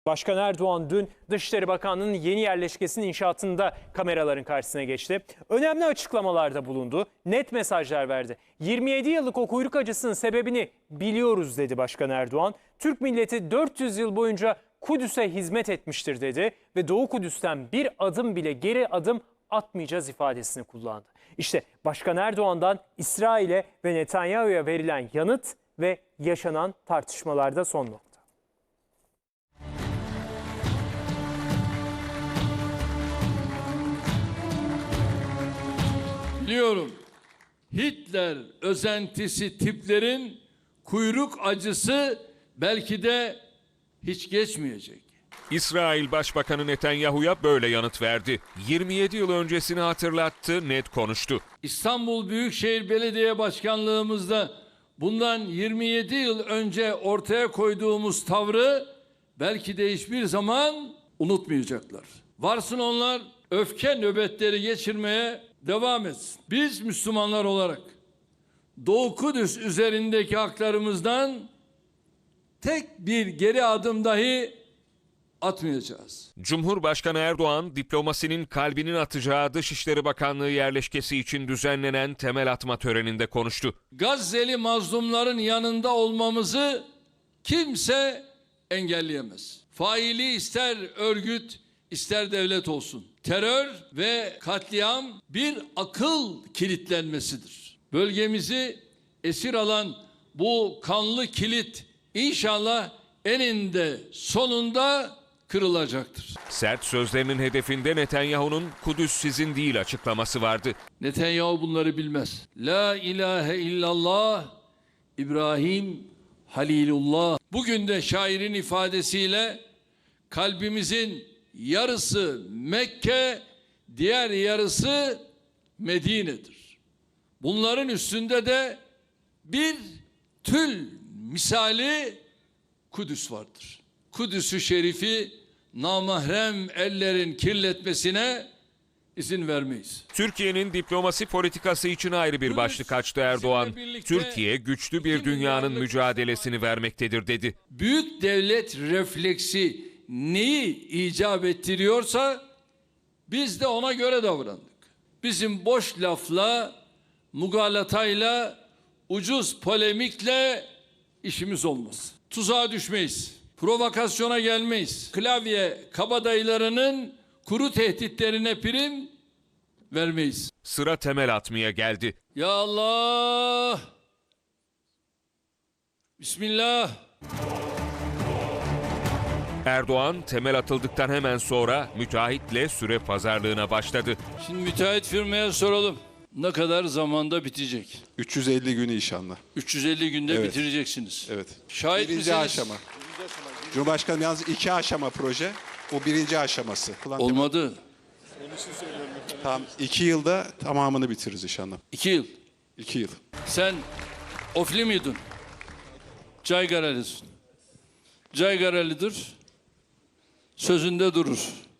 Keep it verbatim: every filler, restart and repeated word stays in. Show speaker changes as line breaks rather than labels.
Başkan Erdoğan dün Dışişleri Bakanlığı'nın yeni yerleşkesinin inşaatında kameraların karşısına geçti. Önemli açıklamalarda bulundu, net mesajlar verdi. yirmi yedi yıllık o kuyruk acısının sebebini biliyoruz dedi Başkan Erdoğan. Türk milleti dört yüz yıl boyunca Kudüs'e hizmet etmiştir dedi ve Doğu Kudüs'ten bir adım bile geri adım atmayacağız ifadesini kullandı. İşte Başkan Erdoğan'dan İsrail'e ve Netanyahu'ya verilen yanıt ve yaşanan tartışmalarda son nokta.
Biliyorum, Hitler özentisi tiplerin kuyruk acısı belki de hiç geçmeyecek.
İsrail Başbakanı Netanyahu'ya böyle yanıt verdi. yirmi yedi yıl öncesini hatırlattı, net konuştu.
İstanbul Büyükşehir Belediye Başkanlığımızda bundan yirmi yedi yıl önce ortaya koyduğumuz tavrı belki de hiçbir zaman unutmayacaklar. Varsın onlar öfke nöbetleri geçirmeye devam etsin. Biz Müslümanlar olarak Doğu Kudüs üzerindeki haklarımızdan tek bir geri adım dahi atmayacağız.
Cumhurbaşkanı Erdoğan, diplomasinin kalbinin atacağı Dışişleri Bakanlığı yerleşkesi için düzenlenen temel atma töreninde konuştu.
Gazze'li mazlumların yanında olmamızı kimse engelleyemez. Faili ister örgüt, ister devlet olsun. Terör ve katliam bir akıl kilitlenmesidir. Bölgemizi esir alan bu kanlı kilit inşallah eninde sonunda kırılacaktır.
Sert sözlerinin hedefinde Netanyahu'nun "Kudüs sizin değil" açıklaması vardı.
Netanyahu bunları bilmez. La ilahe illallah İbrahim Halilullah. Bugün de şairin ifadesiyle kalbimizin yarısı Mekke, diğer yarısı Medine'dir. Bunların üstünde de bir tül misali Kudüs vardır. Kudüs-ü Şerif'i namahrem ellerin kirletmesine izin vermeyiz.
Türkiye'nin diplomasi politikası için ayrı bir başlık açtı Erdoğan. Türkiye güçlü bir dünyanın mücadelesini vermektedir dedi.
Büyük devlet refleksi neyi icap ettiriyorsa biz de ona göre davrandık. Bizim boş lafla, mugalatayla, ucuz polemikle işimiz olmaz. Tuzağa düşmeyiz. Provokasyona gelmeyiz. Klavye kabadayılarının kuru tehditlerine prim vermeyiz.
Sıra temel atmaya geldi.
Ya Allah! Bismillah!
Erdoğan temel atıldıktan hemen sonra müteahhitle süre pazarlığına başladı.
Şimdi müteahhit firmaya soralım. Ne kadar zamanda bitecek?
üç yüz elli günü inşallah.
üç yüz elli günde
Evet.
bitireceksiniz.
Evet.
Şahit
birinci
misiniz?
aşama. Cumhurbaşkanım yalnız iki aşama proje. Bu birinci aşaması.
Olmadı.
Tam iki yılda tamamını bitiririz inşallah.
İki yıl.
İki yıl.
Sen ofli miydin? Caygaralısın. Caygaralidir. Sözünde durur.